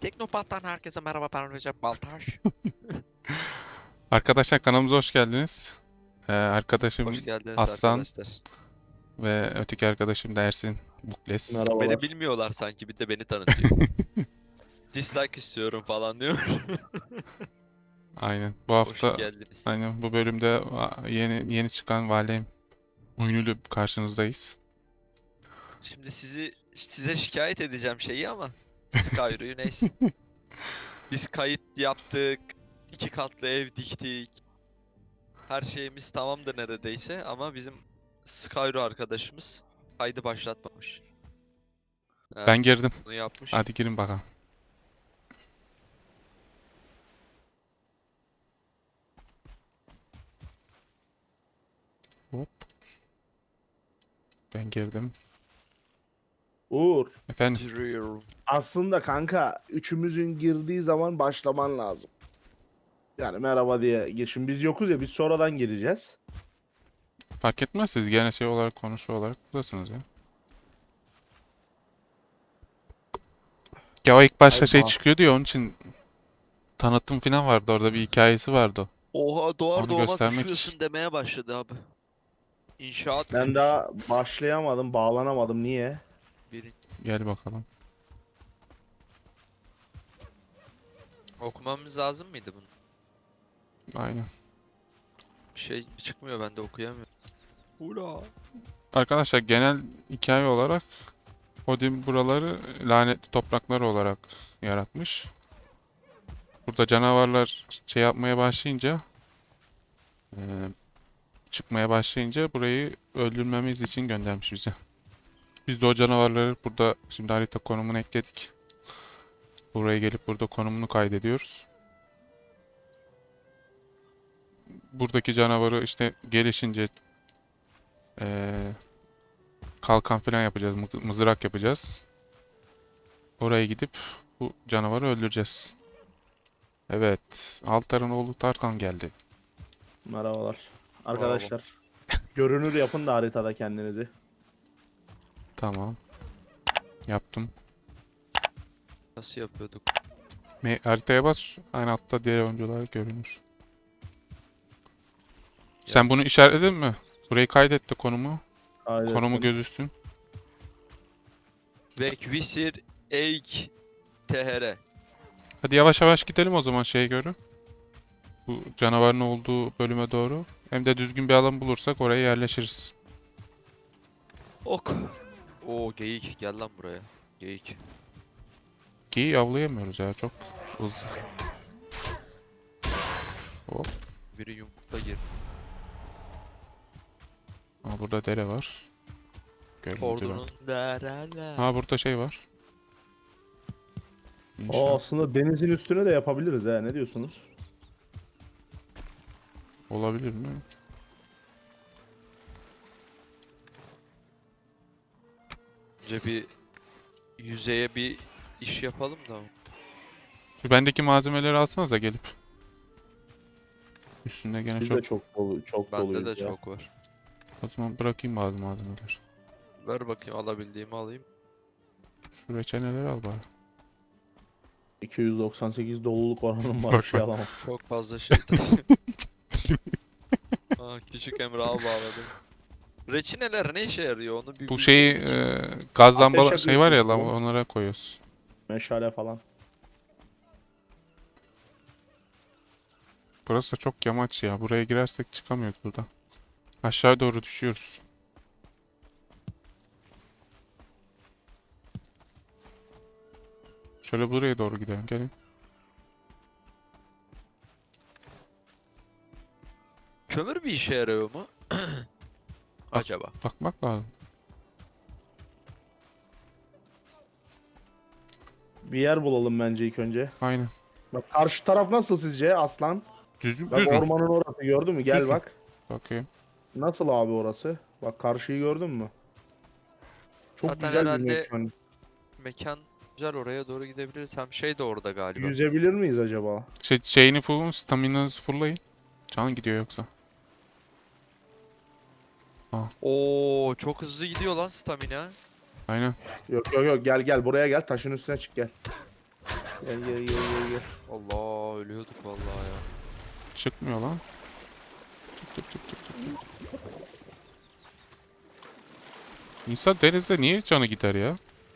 Teknopat'tan herkese merhaba, ben Recep Baltaş. Arkadaşlar kanalımıza hoş geldiniz. Hoş Arkadaşım geldiniz Aslan arkadaşlar. ve öteki arkadaşım da Ersin Bukles. Beni Merhabalar. bilmiyorlar sanki, bir de beni tanıtıyor. Dislike istiyorum falan diyor. Aynen. Bu Hoş hafta geldiniz. aynen bu bölümde yeni çıkan Valheim oyunuyla karşınızdayız. Şimdi size şikayet edeceğim şeyi ama Skyro'yu neyse. Biz kayıt yaptık. 2 katlı ev diktik. Her şeyimiz tamamdır neredeyse ama bizim Skyro arkadaşımız kaydı başlatmamış. Ben Evet, girdim. bunu yapmış. Hadi girin bakalım. Hop. Ben girdim. Uğur. Efendim. Giriyorum. Aslında kanka üçümüzün girdiği zaman başlaman lazım. Yani merhaba diye gir. Şimdi biz yokuz ya, biz sonradan gireceğiz. Fark etmez, siz gene şey olarak konuşu olarak buradasınız ya. Ya o ilk başta Ay şey bak. çıkıyordu ya, onun için tanıtım falan vardı, orada bir hikayesi vardı. Oha, doğar Onu doğmaz göstermek üşüyorsun için. demeye başladı abi. İnşaat Ben mühendisi. daha başlayamadım, bağlanamadım. Niye? Biri. Gel bakalım. Okumamız lazım mıydı bunu? Aynen. Bir şey çıkmıyor, ben de okuyamıyorum. Ula. Arkadaşlar genel hikaye olarak Odin buraları lanetli topraklar olarak yaratmış. Burada canavarlar şey yapmaya başlayınca, e, çıkmaya başlayınca burayı öldürmemiz için göndermiş bize. Biz de o canavarları burada şimdi harita konumunu ekledik. Buraya gelip burada konumunu kaydediyoruz. Buradaki canavarı işte gelişince e, kalkan falan yapacağız, mızrak yapacağız. Oraya gidip bu canavarı öldüreceğiz. Evet, Altar'ın oğlu Tarkan geldi. Merhabalar. Bravo. Arkadaşlar. Görünür yapın da haritada kendinizi. Tamam, yaptım. Nasıl yapıyorduk? Haritaya bas, aynı altta diğer oyuncular görünür. Yap. Sen bunu işaretledin mi? Burayı kaydetti konumu. Konumu Kaydettim. gözüksün. Vekvisir Eik THR. Hadi yavaş yavaş gidelim o zaman şeye göre. Bu canavarın olduğu bölüme doğru. Hem de düzgün bir alan bulursak oraya yerleşiriz. Ok. Oo, geyik gel lan buraya. Geyik. Ki avlayamıyoruz ya, çok hızlı. Hop. Biri yumrukta gir. Aa, burada dere var. Görüldü bak. Ordunun dereler. Ha, burada şey var. O İnşaat. aslında denizin üstüne de yapabiliriz ha. Ne diyorsunuz? Olabilir mi? Önce bir yüzeye bir iş yapalım da. Şu bendeki malzemeleri alsanıza gelip. Üstünde gene Biz çok. de çok dolu, çok Bende doluyuz de ya. çok var. O zaman bırakayım bazı malzemeleri. Ver bakayım, alabildiğimi alayım. Şu reçeneleri al bari. 298 doluluk oranım var, Bak bir şey bak. alamam. Çok fazla şey taşıyorum. Aa, küçük Emrah'ı bağladım. Reçineler ne işe yarıyor, onu bir Bu şeyi bilseydik. gaz Ateş lamba şey var ya, yakıyorsunuz oğlum. onlara koyuyoruz. Meşale falan. Burası da çok yamaç ya. Buraya girersek çıkamıyoruz buradan. Aşağı doğru düşüyoruz. Şöyle buraya doğru gidelim. Gelin. Kömür bir işe yarıyor mu? Acaba. Bakmak lazım. Bir yer bulalım bence ilk önce. Aynen. Bak karşı taraf nasıl sizce Aslan? Düz, Bak düz mü? ormanın orası, gördün mü? Gel Düz mü? bak. Bakayım. Nasıl abi orası? Bak karşıyı gördün mü? Çok Zaten güzel bir herhalde mekan. mekan güzel, oraya doğru gidebiliriz. Hem şey de orada galiba. Yüzebilir miyiz acaba? Şeyini full'un, staminanızı full'layın. Can gidiyor yoksa. Oo, çok hızlı gidiyor lan stamina. Aynen. Yok yok yok, gel gel buraya gel, taşın üstüne çık gel. Gel gel gel gel gel. Allah ölüyorduk vallahi ya. Çıkmıyor lan. Tık tık tık tık tık. İnsan denizde niye canı gider ya?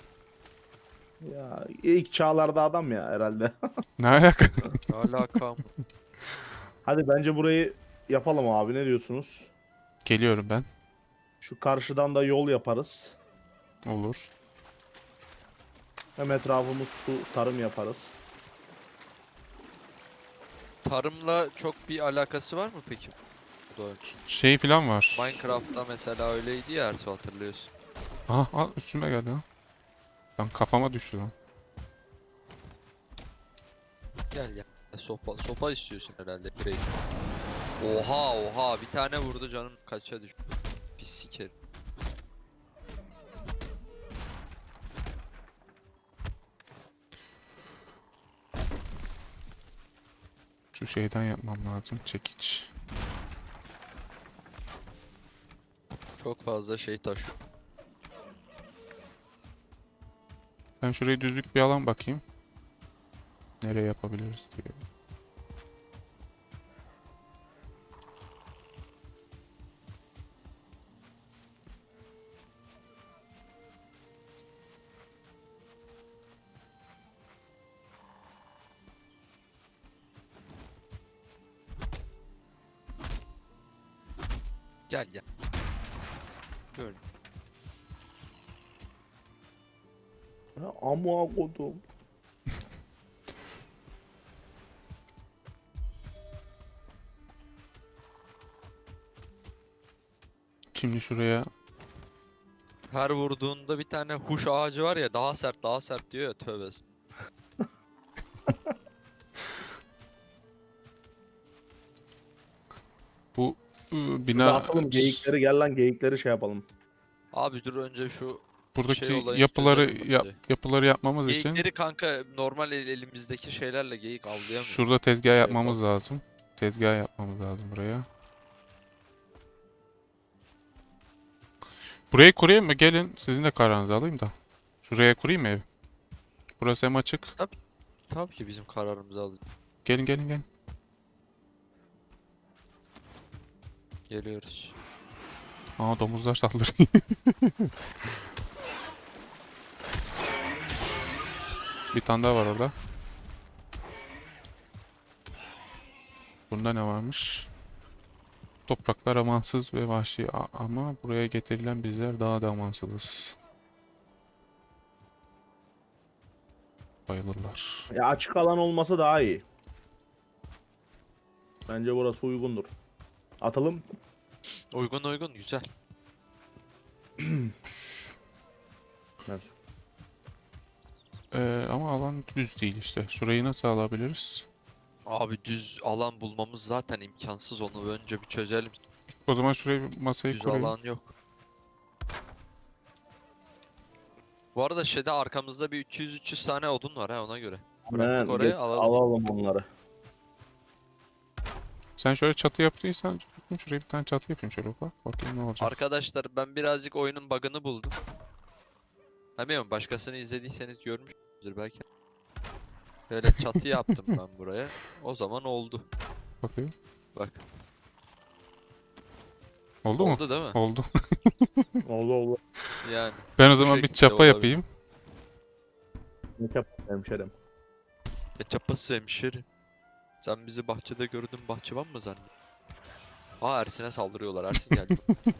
Ya ilk çağlarda adam ya herhalde. Ne alaka? Ne alakam? Hadi bence burayı yapalım abi, ne diyorsunuz? Geliyorum ben. Şu karşıdan da yol yaparız. Olur. Hem etrafımız su, tarım yaparız. Tarımla çok bir alakası var mı peki? Bu da Şey falan var. Minecraft'ta mesela öyleydi ya Ersu, hatırlıyorsun. Aha al üstüme geldi lan. Lan kafama düştü lan. Gel ya. Sopa istiyorsun herhalde. Direkt. Oha bir tane vurdu canım kaça düştü. Pis sikerim. Şu şeyden yapmam lazım. Çekiç. Çok fazla şey taşıyor. Ben şuraya düzlük bir alan bakayım. Nereye yapabiliriz diye. Gel gel. Böyle. Ha, amma kodum. Şimdi şuraya Her vurduğunda bir tane huş ağacı var ya, daha sert diyor ya, tövbe. bu Şurada bina atalım geyikleri, gel lan geyikleri şey yapalım. Abi dur önce şu buradaki şey olayını yapıları çözelim bence. yapıları yapmamız için Geyikleri kanka normal elimizdeki şeylerle geyik avlayamıyoruz. şurada tezgah Şey yapmamız lazım. Tezgah yapmamız lazım buraya. Burayı kurayım mı? Gelin sizin de kararınızı alayım da. Şuraya kurayım mı ev? Burası hem açık. Tabii ki bizim kararımızı alacağız. Gelin gelin gelin. Geliyoruz. Aa domuzlar saldırıyor. Bir tane daha var orada. Bunda ne varmış? Topraklar amansız ve vahşi ama buraya getirilen bizler daha da amansızız. Bayılırlar. Ya açık alan olması daha iyi. Bence burası uygundur. Atalım. Uygun güzel. Ben- Ama alan düz değil işte. Şurayı nasıl alabiliriz? Abi düz alan bulmamız zaten imkansız, onu önce bir çözelim. O zaman şuraya bir masayı Düz kurayım. alan yok. Bu arada şeyde arkamızda bir 300 tane odun var ha, ona göre. Bıraktık Hemen oraya, geç, alalım. alalım onları. Sen şöyle çatı yaptıysan şuraya bir tane çatı yapayım şöyle bak. Bakayım ne olacak. Arkadaşlar ben birazcık oyunun bug'ını buldum. Bilmiyorum, başkasını izlediyseniz görmüşsünüzdür belki. Böyle çatı yaptım ben buraya. O zaman oldu. Bakayım. Bak. Oldu mu? Oldu değil mi? Oldu. Oldu oldu. Yani. Ben o Bu zaman bir şekilde çapa olabilir. yapayım. Ne yapalım hemşerim? Çapası hemşerim. Sen bizi bahçede gördün, bahçıvan mı zannediyorsun? Aa, Ersin'e saldırıyorlar. Ersin geldi.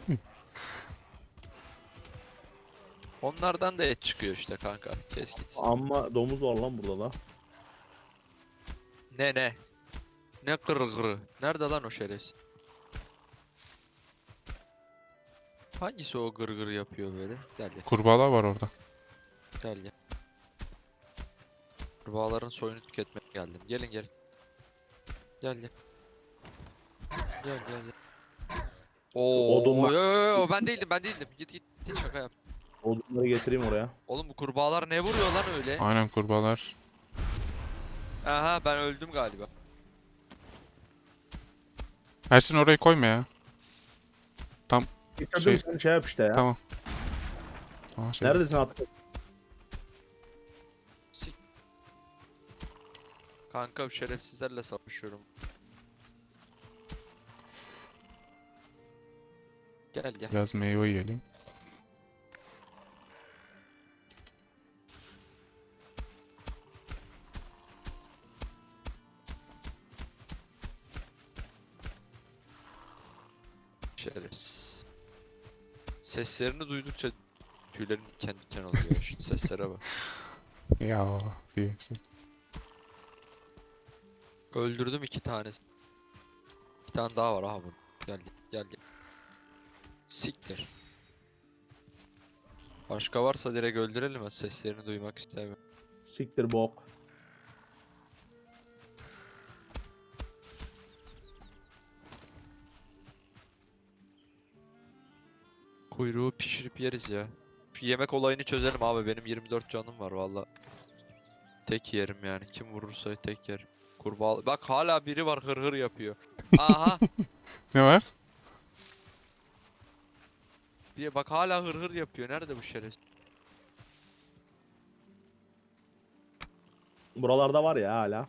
Onlardan da et çıkıyor işte kanka. Kes gitsin. Ama domuz var lan burada da. Ne? Ne kırgırı? Nerede lan o şerefsiz? Hangisi o gırgır yapıyor böyle? Gel gel. Kurbağalar var orada. Gel gel. Kurbağaların soyunu tüketmeye geldim. Gelin gelin. Gel gel. Gel. Oo, Odunlar- yo, ben değildim. Git şaka yap. Odunları getireyim oraya. Oğlum bu kurbağalar ne vuruyor lan öyle? Aynen kurbağalar. Aha, ben öldüm galiba. Ersin orayı koyma ya. Getirdim, Şey- sen şey yap işte ya. Tamam. Aa, şey. Neredesin attın? Sik. Kanka şerefsizlerle savaşıyorum. Gel gel. Biraz meyve yiyelim. Şerefsiz. Seslerini duydukça tüylerim diken diken oluyor. Şu seslere bak. Ya diyorsun. Öldürdüm 2 tanesi. Bir tane daha var aha bunun. Gel gel gel. Siktir. Başka varsa direkt öldürelim ha. Seslerini duymak istemiyorum. Siktir bok. Kuyruğu pişirip yeriz ya. Şu yemek olayını çözelim abi. Benim 24 canım var valla. Tek yerim yani. Kim vurursa tek yerim. Kurbağa. Bak hala biri var hır hır yapıyor. Aha. Ne var? Bak hala hır hır yapıyor. Nerede bu şerefsiz? Buralarda var ya hala.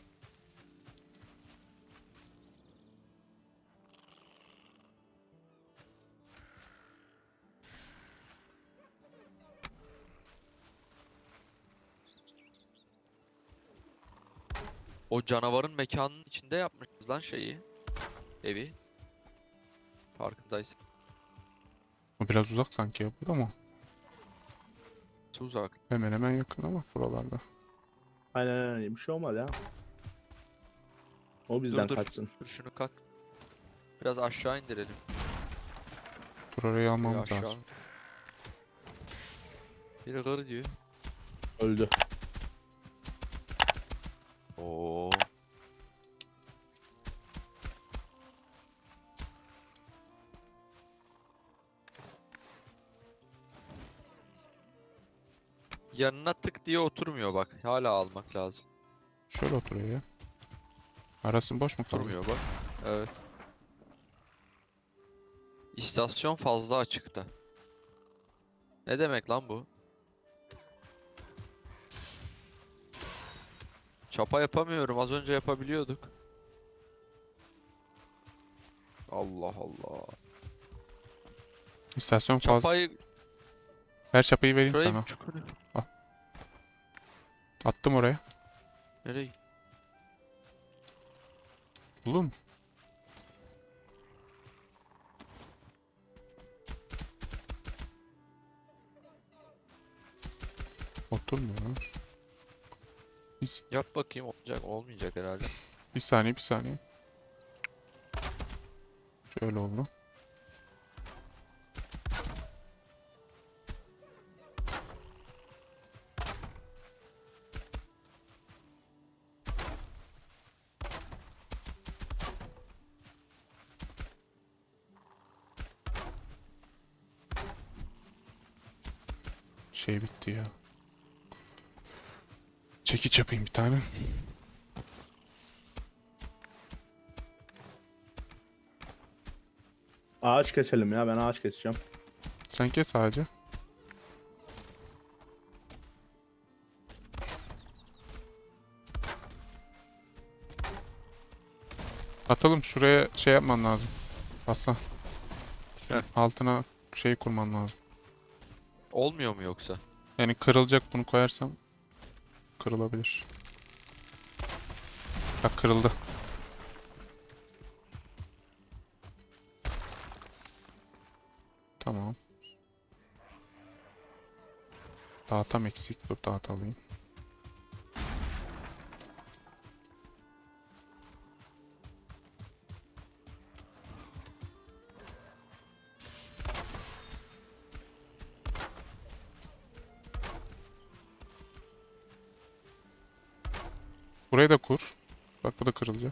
O canavarın mekanının içinde yapmışız lan şeyi. Evi. Farkındaysın. O biraz uzak sanki ya burada mı? Uzak. Hemen hemen yakın ama buralarda. Aynen bir şey olmaz ya. O bizden Dur. kaçsın. Dur şunu kalk. Biraz aşağı indirelim. Dur orayı Bir almamız aşağı. lazım. Biri hır diyor. Öldü. Oo. Yanına tık diye oturmuyor bak. Hala almak lazım. Şöyle oturuyor ya. Arası boş mu kaldı? Oturmuyor bak. Evet. İstasyon fazla açıkta. Ne demek lan bu? Çapa yapamıyorum. Az önce yapabiliyorduk. Allah Allah. İstasyon fazla. Çapayı Ver çapayı vereyim şuraya sana. bir çukur. Attım oraya. Nereye gitti? Buldun mu? Oturmuyor. Yap bakayım olacak olmayacak herhalde. Bir saniye bir saniye. Şöyle oldu. Şey bitti ya. Çekiç yapayım bir tane. Ağaç keselim ya, ben ağaç keseceğim. Sen kes sadece. Atalım şuraya şey yapman lazım. Aslan. Heh. Altına şey kurman lazım. Olmuyor mu yoksa? Yani kırılacak bunu koyarsam kırılabilir. Bak kırıldı. Tamam. Dağıtam eksik. Dur dağıtalım. Burayı da kur. Bak bu da kırılacak.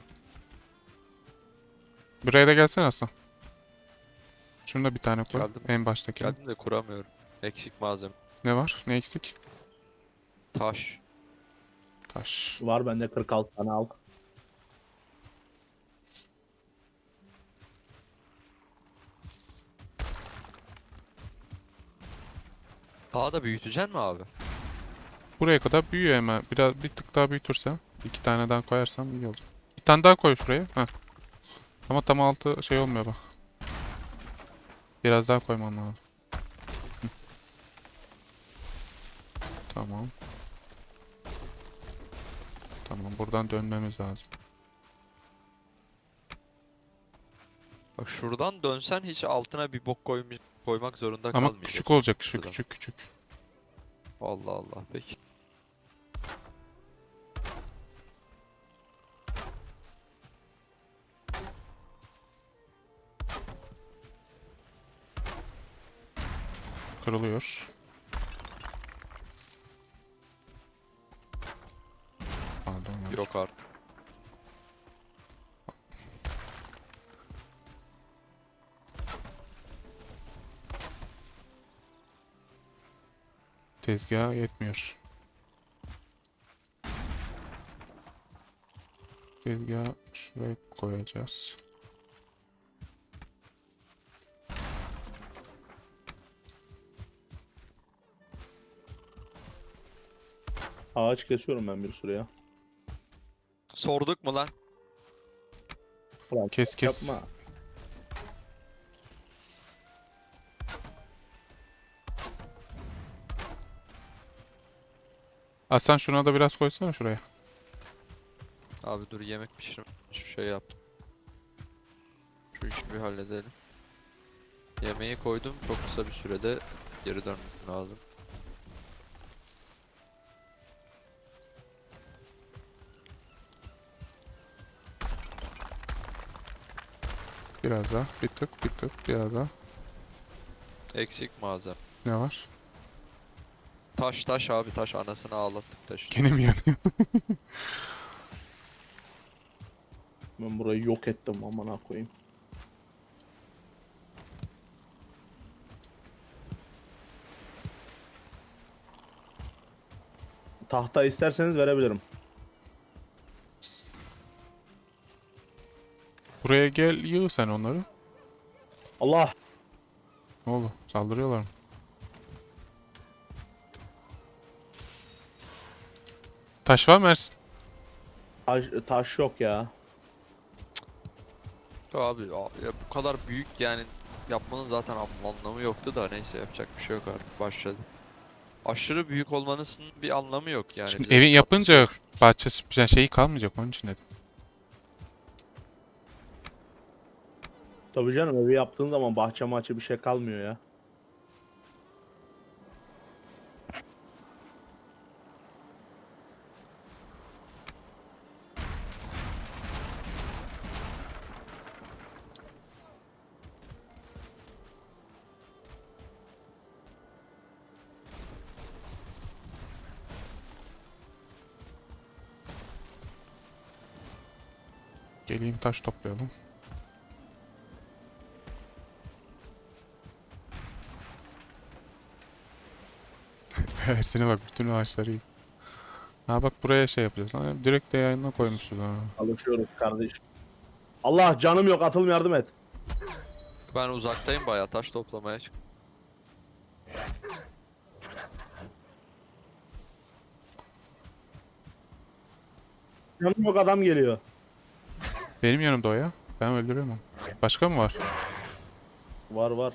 Buraya da gelsene Aslan. Şunu da bir tane koy. Geldim. En baştaki. Geldim de kuramıyorum. Eksik malzeme. Ne var? Ne eksik? Taş. Taş. Var bende 46 tane al. Daha da büyüteceksin mi abi? Buraya kadar büyüyor hemen. Biraz bir tık daha büyütürsen. 2 tane daha koyarsam iyi olacak. Bir tane daha koy şuraya. Heh. Ama tam altı şey olmuyor bak. Biraz daha koymam lazım. Hı. Tamam. Tamam, buradan dönmemiz lazım. Bak şuradan dönsen hiç altına bir bok koymak zorunda Ama kalmayacaksın. küçük olacak, şu Şuradan. küçük küçük. Allah Allah peki. Kırılıyor. Pardon. yanlış. Yok artık. Tezgaha yetmiyor. Tezgahı şuraya koyacağız. Ağaç kesiyorum ben bir sürü ya. Sorduk mu lan? Ulan Kes kes. yapma. Hasan şuna da biraz koysana şuraya. Abi dur yemek pişirim. Şu şey yaptım. Şu işi bir halledelim. Yemeği koydum. Çok kısa bir sürede geri dönmem lazım. Biraz daha. Bir tık bir tık biraz daha. Eksik malzeme. Ne var? Taş abi taş anasını ağlattık taş. Gene mi yanıyor? Ben burayı yok ettim amına koyayım. Tahta isterseniz verebilirim. Buraya gel, yığ sen onları. Allah! Ne oldu? Saldırıyorlar mı? Taş var mı Ersin? Taş yok ya. Ya bu kadar büyük yani yapmanın zaten anlamı yoktu da neyse yapacak bir şey yok artık başladı. Aşırı büyük olmanın bir anlamı yok yani. Şimdi bize evi bir katkısı yapınca yok. bahçesi yani şeyi kalmayacak, onun için dedim. Tabii canım, evi yaptığın zaman bahçe maçı bir şey kalmıyor ya. Geleyim taş toplayalım. Ersin'e bak, bütün ağaçları yık. Ha bak, buraya şey yapacağız. Ha, direkt de yayına koymuşuz ha. Alışıyoruz kardeşim. Allah, canım yok, atılım yardım et. Ben uzaktayım bayağı taş toplamaya çık. Canım yok, adam geliyor. Benim yanımda o ya. Ben öldürüyorum onu. Başka mı var? Var var.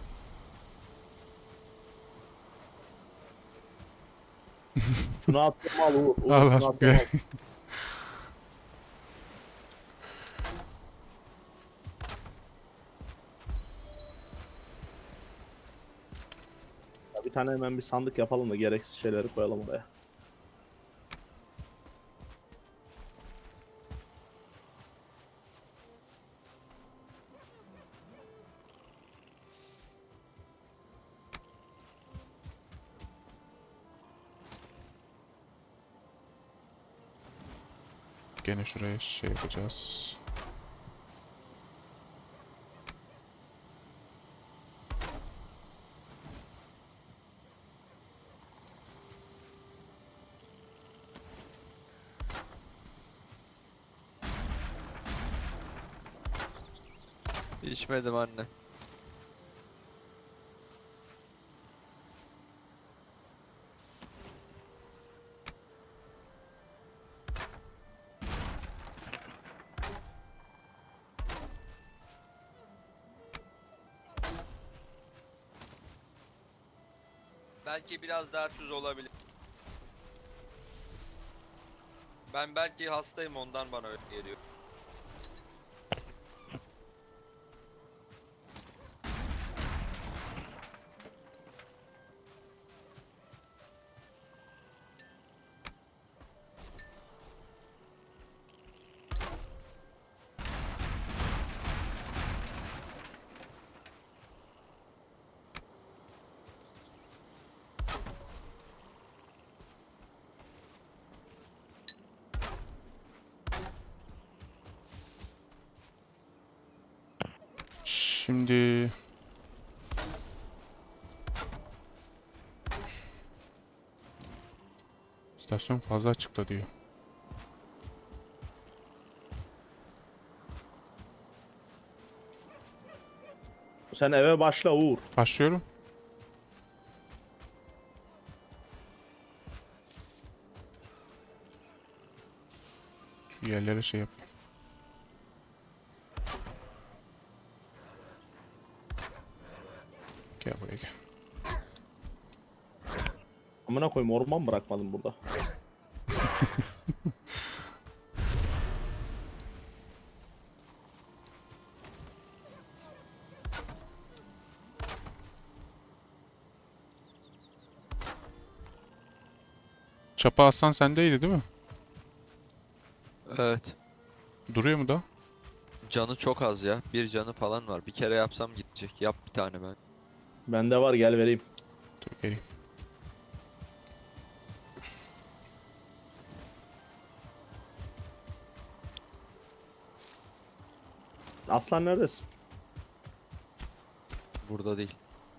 Şunu attım al Uğur. Uğur, Allah şunu attım gör. al. Ya bir tane hemen bir sandık yapalım da gereksiz şeyleri koyalım oraya. Gene şuraya şey yapacağız. İçmedim anne. Belki biraz daha tuz olabilir. Ben belki hastayım, ondan bana öyle geliyor. Şimdi istasyon fazla açıkta diyor. Sen eve başla Uğur. Başlıyorum. Şu yerlere şey yapayım. Gel buraya gel. Amına koyayım, orman bırakmadım burada. Çapa Aslan sendeydi değil mi? Evet. Duruyor mu da? Canı çok az ya. Bir canı falan var. Bir kere yapsam gidecek. Yap bir tane ben. Bende var, gel vereyim. Dur geleyim. Aslan neredesin? Burada değil.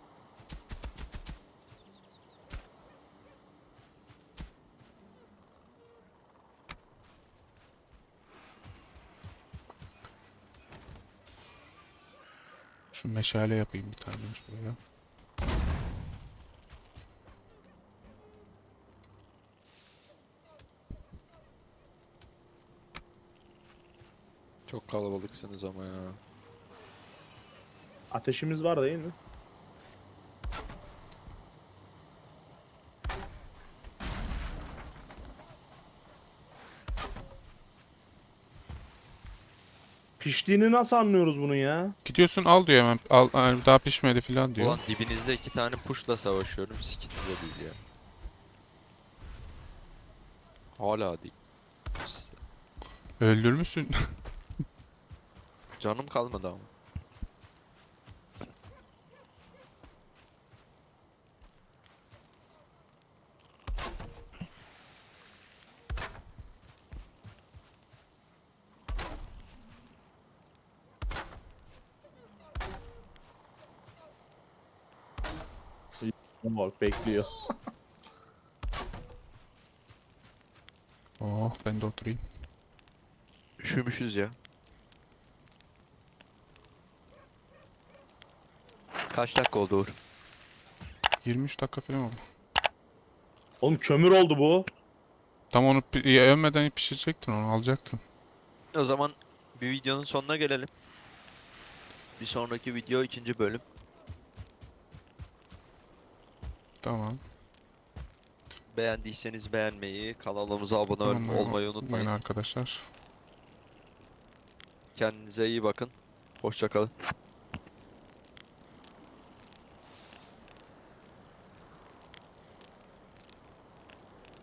Şu meşale yapayım bir tane şuraya. Çok kalabalıksınız ama ya. Ateşimiz var değil mi? Piştiğini nasıl anlıyoruz bunun ya? Gidiyorsun al diyor hemen. Al, yani daha pişmedi falan diyor. Ulan dibinizde 2 tane puşla savaşıyorum. Sikinize değil ya. Hala değil. Öldürmüşsün. Canım kalmadı ama. Bak bekliyor. Oh ben de oturayım. Üşümüşüz ya. Kaç dakika oldu Uğur? 23 dakika falan oldu. Oğlum kömür oldu bu. Tam onu övmeden pişirecektin, onu alacaktın. O zaman bir videonun sonuna gelelim. Bir sonraki video 2. bölüm. Tamam. Beğendiyseniz beğenmeyi, kanalımıza abone Tamam, olmayı unutmayın. arkadaşlar. Kendinize iyi bakın. Hoşça kalın.